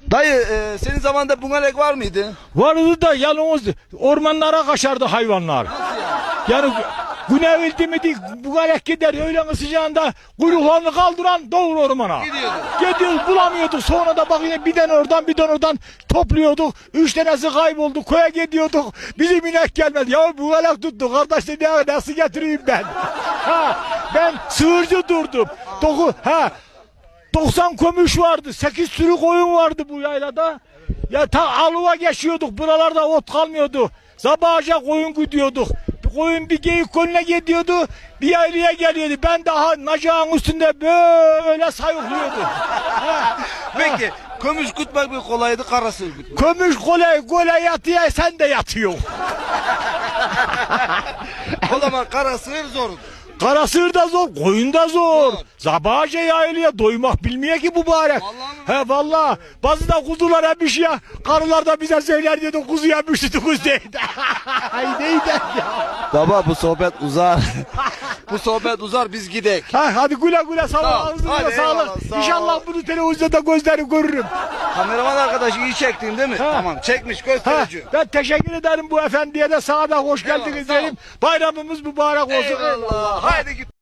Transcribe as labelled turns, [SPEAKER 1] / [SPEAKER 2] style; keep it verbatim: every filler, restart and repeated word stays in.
[SPEAKER 1] Dayı e, senin zamanında bungalek var mıydı?
[SPEAKER 2] Vardı da yalnız ormanlara kaçardı hayvanlar. Yani günevildi mi değil, bu galek gider öğlen sıcağında kuyruklarını kaldıran doğru ormana.
[SPEAKER 1] Gidiyordu.
[SPEAKER 2] Gidiyoruz bulamıyorduk, sonra da bak yine bir tane oradan bir tane oradan topluyorduk. Üç tanesi kayboldu, köye gidiyorduk. Bizim inek gelmedi. Ya bu galek tuttu kardeş dedi, ya nasıl getireyim ben? Ha, ben sığırcı durdum. Doku, ha, doksan kömüş vardı, sekiz sürü koyun vardı bu yaylada. Ya ta alıva geçiyorduk, buralarda ot kalmıyordu. Sabahaca koyun güdüyorduk. Koyun bir geyik koyuna gidiyordu, bir yaylaya geliyordu. Ben daha nacağın üstünde böyle sayıklıyordum.
[SPEAKER 1] Peki kömüş kutmak bir kolaydı, kara sığır kutmak.
[SPEAKER 2] Kömüş kolay kolay yatıyor, sen de yatıyorsun.
[SPEAKER 1] O zaman kara sığır zordu.
[SPEAKER 2] Kara sığır da zor, koyun da zor. Sabahaca yaylaya doymak bilmiyor ki mübarek.
[SPEAKER 1] Vallahi mi?
[SPEAKER 2] He vallahi. Bazı da kuzulara bir şey ya. Karılar da bize söyler diyordu, kuzu yemişti, kuz değildi. Ay neydi ya.
[SPEAKER 1] Baba bu sohbet uzar. Bu sohbet uzar, biz gidek.
[SPEAKER 2] Ha, hadi güle güle sağ
[SPEAKER 1] Sağ ol.
[SPEAKER 2] ol. Ağzınıza
[SPEAKER 1] Hadi
[SPEAKER 2] sağlık.
[SPEAKER 1] eyvallah, sağ ol.
[SPEAKER 2] İnşallah bunu televizyonda gözleri görürüm.
[SPEAKER 1] Kameraman arkadaş iyi çektin değil mi?
[SPEAKER 2] Ha.
[SPEAKER 1] Tamam çekmiş,
[SPEAKER 2] Ha,
[SPEAKER 1] gösterici.
[SPEAKER 2] ben teşekkür ederim bu efendiye de, sana da hoş
[SPEAKER 1] Eyvallah,
[SPEAKER 2] geldiniz
[SPEAKER 1] sağ ol.
[SPEAKER 2] diyelim. Bayramımız mübarek olsun.
[SPEAKER 1] Eyvallah. Haydi git.